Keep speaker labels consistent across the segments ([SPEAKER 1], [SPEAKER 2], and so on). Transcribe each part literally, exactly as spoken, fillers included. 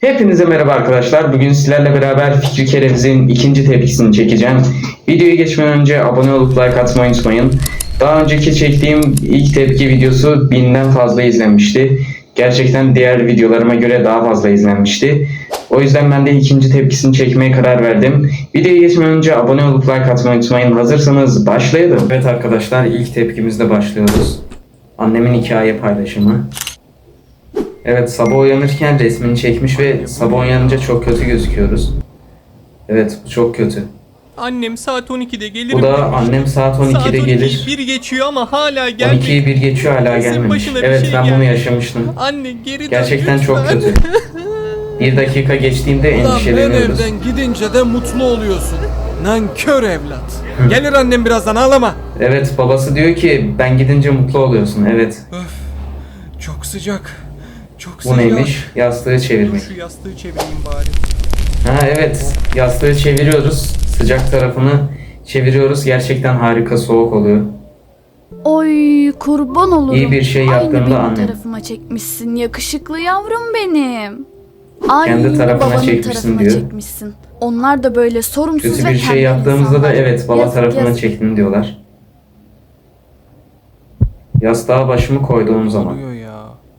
[SPEAKER 1] Hepinize merhaba arkadaşlar. Bugün sizlerle beraber Fikri Kereviz'in ikinci tepkisini çekeceğim. Videoya geçmeden önce abone olup like atmayı unutmayın. Daha önceki çektiğim ilk tepki videosu binden fazla izlenmişti. Gerçekten diğer videolarıma göre daha fazla izlenmişti. O yüzden ben de ikinci tepkisini çekmeye karar verdim. Videoya geçmeden önce abone olup like atmayı unutmayın. Hazırsanız başlayalım. Evet arkadaşlar, ilk tepkimizle başlıyoruz. Annemin hikaye paylaşımı. Evet, sabah uyanırken resmini çekmiş ve sabah uyanınca çok kötü gözüküyoruz. Evet, bu çok kötü.
[SPEAKER 2] Annem saat on ikide gelirim
[SPEAKER 1] Bu da
[SPEAKER 2] demiş.
[SPEAKER 1] annem saat on ikide
[SPEAKER 2] Saat
[SPEAKER 1] gelir.
[SPEAKER 2] bir geçiyor ama hala
[SPEAKER 1] on
[SPEAKER 2] gelmedi.
[SPEAKER 1] ikiyi bir geçiyor, hala
[SPEAKER 2] Kesin
[SPEAKER 1] gelmemiş.
[SPEAKER 2] başına bir
[SPEAKER 1] Evet,
[SPEAKER 2] şey
[SPEAKER 1] ben bunu
[SPEAKER 2] geldi.
[SPEAKER 1] yaşamıştım.
[SPEAKER 2] Anne geri dön
[SPEAKER 1] Gerçekten çok
[SPEAKER 2] lütfen.
[SPEAKER 1] kötü. Bir dakika geçtiğinde
[SPEAKER 3] Ulan ben
[SPEAKER 1] endişeleniyoruz.
[SPEAKER 3] evden gidince de mutlu oluyorsun. Nankör evlat. Gelir annem birazdan, ağlama.
[SPEAKER 1] Evet, babası diyor ki ben gidince mutlu oluyorsun. Evet,
[SPEAKER 3] Öf. Çok sıcak. Çok
[SPEAKER 1] bu
[SPEAKER 3] sıcak.
[SPEAKER 1] neymiş? Yastığı çevirmek.
[SPEAKER 2] Şu yastığı çevireyim bari.
[SPEAKER 1] Ha evet, yastığı çeviriyoruz. Sıcak tarafını çeviriyoruz. Gerçekten harika, soğuk oluyor.
[SPEAKER 4] Oy kurban olurum.
[SPEAKER 1] İyi bir şey yaptığında
[SPEAKER 4] Aynı benim
[SPEAKER 1] annem.
[SPEAKER 4] tarafıma çekmişsin yakışıklı yavrum benim. Aynı
[SPEAKER 1] Kendi tarafına
[SPEAKER 4] babanın
[SPEAKER 1] çekmişsin
[SPEAKER 4] tarafına
[SPEAKER 1] diyor.
[SPEAKER 4] çekmişsin. Onlar da böyle sorumsuz
[SPEAKER 1] Kötü
[SPEAKER 4] ve
[SPEAKER 1] bir şey
[SPEAKER 4] tembel
[SPEAKER 1] yaptığımızda da
[SPEAKER 4] insanlar.
[SPEAKER 1] evet, baba
[SPEAKER 4] Yazık,
[SPEAKER 1] tarafına
[SPEAKER 4] yazık.
[SPEAKER 1] çektin diyorlar. Yastığa başımı koyduğum zaman.
[SPEAKER 3] Oluyor ya.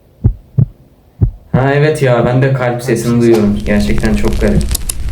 [SPEAKER 1] Ha evet ya, ben de kalp sesini duyuyorum. Gerçekten çok garip.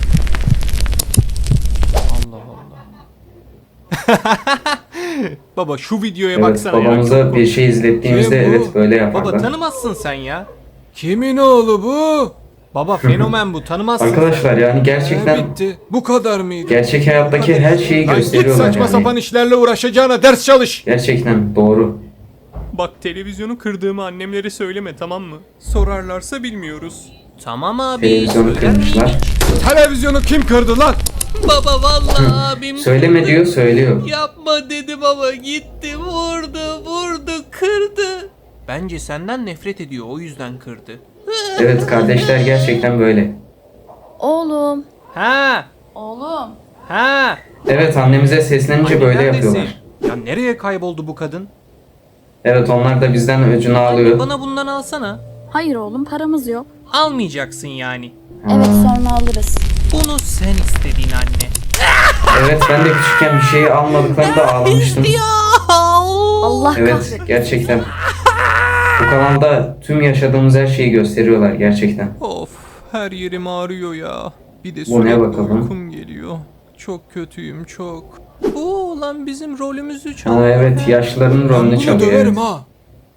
[SPEAKER 2] Allah Allah. Baba şu videoya
[SPEAKER 1] Evet,
[SPEAKER 2] baksana ya.
[SPEAKER 1] babamıza
[SPEAKER 2] çok
[SPEAKER 1] bir şey izlettiğimizde
[SPEAKER 3] Kim bu?
[SPEAKER 1] evet böyle
[SPEAKER 2] Baba
[SPEAKER 1] yaparlar.
[SPEAKER 2] tanımazsın sen ya.
[SPEAKER 3] Kimin oğlu bu?
[SPEAKER 2] Baba fenomen bu, tanımazsın.
[SPEAKER 1] Arkadaşlar yani
[SPEAKER 3] Ee,
[SPEAKER 1] gerçekten
[SPEAKER 3] bitti. Bu kadar mıydı?
[SPEAKER 1] gerçek hayattaki her şeyi
[SPEAKER 3] Lan git
[SPEAKER 1] gösteriyorlar
[SPEAKER 3] saçma
[SPEAKER 1] yani.
[SPEAKER 3] sapan işlerle uğraşacağına ders çalış.
[SPEAKER 1] Gerçekten doğru.
[SPEAKER 2] Bak, televizyonu kırdığımı annemlere söyleme, tamam mı? Sorarlarsa bilmiyoruz. Tamam abi.
[SPEAKER 1] Televizyonu
[SPEAKER 2] söyler miyim?
[SPEAKER 1] kırmışlar.
[SPEAKER 3] Televizyonu kim kırdı lan?
[SPEAKER 2] Baba vallahi abim
[SPEAKER 1] Söyleme
[SPEAKER 2] kırdı.
[SPEAKER 1] diyor, söylüyor.
[SPEAKER 2] Yapma dedi baba, gitti vurdu vurdu kırdı. Bence senden nefret ediyor, o yüzden kırdı.
[SPEAKER 1] Evet, kardeşler gerçekten böyle.
[SPEAKER 4] Oğlum.
[SPEAKER 2] Ha
[SPEAKER 4] Oğlum.
[SPEAKER 2] ha.
[SPEAKER 1] Evet, annemize seslenince
[SPEAKER 2] Anne
[SPEAKER 1] böyle
[SPEAKER 2] neredesin?
[SPEAKER 1] yapıyorlar.
[SPEAKER 2] Ya nereye kayboldu bu kadın?
[SPEAKER 1] Evet, onlar da bizden öcünü
[SPEAKER 2] Anne
[SPEAKER 1] alıyor.
[SPEAKER 2] bana bundan alsana.
[SPEAKER 4] Hayır oğlum, paramız yok.
[SPEAKER 2] Almayacaksın yani.
[SPEAKER 4] Evet, sonra alırız.
[SPEAKER 2] Bunu sen istedin anne.
[SPEAKER 1] Evet, ben de küçükken bir şeyi almadıklarında ağlamıştım.
[SPEAKER 4] Allah
[SPEAKER 1] Evet,
[SPEAKER 4] kahretsin.
[SPEAKER 1] gerçekten. Bu kanalda tüm yaşadığımız her şeyi gösteriyorlar gerçekten.
[SPEAKER 2] Of, her yerim ağrıyor ya. Bir de
[SPEAKER 1] Bu ne
[SPEAKER 2] sürekli
[SPEAKER 1] bakalım?
[SPEAKER 2] uykum geliyor. Çok kötüyüm, çok. Bu olan bizim rolümüzü çalıyor.
[SPEAKER 1] Ha evet, yaşlıların
[SPEAKER 3] Ben
[SPEAKER 1] rolünü
[SPEAKER 3] bunu
[SPEAKER 1] çalıyor.
[SPEAKER 3] döverim
[SPEAKER 1] Evet.
[SPEAKER 3] ha.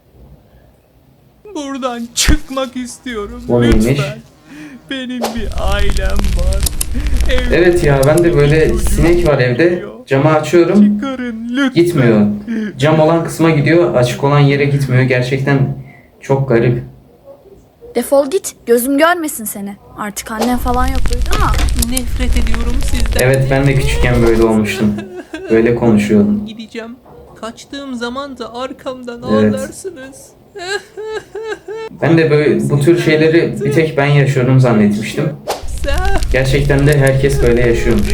[SPEAKER 2] Buradan çıkmak istiyorum.
[SPEAKER 1] Bu
[SPEAKER 2] lütfen.
[SPEAKER 1] neymiş?
[SPEAKER 2] Benim bir ailem var. Evde
[SPEAKER 1] Evet ya, ben de böyle sinek var evde. Camı açıyorum,
[SPEAKER 2] çıkarın lütfen.
[SPEAKER 1] gitmiyor. Cam olan kısma gidiyor, açık olan yere gitmiyor. Gerçekten çok garip.
[SPEAKER 4] Defol git, gözüm görmesin seni. Artık annen falan yok, duydun mu?
[SPEAKER 2] Nefret ediyorum sizden.
[SPEAKER 1] Evet, ben de küçükken böyle olmuştum. Böyle konuşuyordum.
[SPEAKER 2] Gideceğim. Kaçtığım zaman da arkamdan
[SPEAKER 1] Evet.
[SPEAKER 2] ağlarsınız.
[SPEAKER 1] Ben de böyle bu tür şeyleri bir tek ben yaşıyorum zannetmiştim.
[SPEAKER 2] Sen...
[SPEAKER 1] Gerçekten de herkes böyle yaşıyormuş.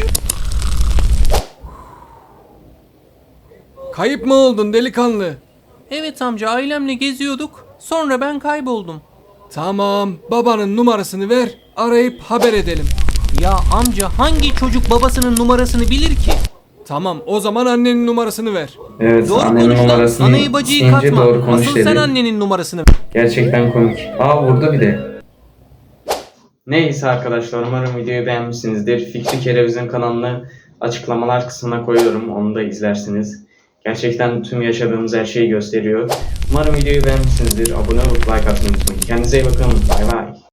[SPEAKER 3] Kayıp mı oldun delikanlı?
[SPEAKER 2] Evet amca, ailemle geziyorduk. Sonra ben kayboldum.
[SPEAKER 3] Tamam, babanın numarasını ver, arayıp haber edelim.
[SPEAKER 2] Ya amca, hangi çocuk babasının numarasını bilir ki?
[SPEAKER 3] Tamam, o zaman annenin numarasını ver.
[SPEAKER 1] Evet,
[SPEAKER 2] Doğru
[SPEAKER 1] annemin
[SPEAKER 2] konuş lan.
[SPEAKER 1] numarasını
[SPEAKER 2] Anayı bacıyı
[SPEAKER 1] isteyince
[SPEAKER 2] katma.
[SPEAKER 1] doğru konuş
[SPEAKER 2] Asıl sen
[SPEAKER 1] dedi.
[SPEAKER 2] annenin numarasını ver.
[SPEAKER 1] Gerçekten komik. Aa, vurdu bir de. Neyse arkadaşlar, umarım videoyu beğenmişsinizdir. Fikri Kereviz'in kanalını açıklamalar kısmına koyuyorum. Onu da izlersiniz. Gerçekten tüm yaşadığımız her şeyi gösteriyor. Umarım videoyu beğenmişsinizdir. Abone olup like atmayı unutmayın. Kendinize iyi bakın. Bay bay.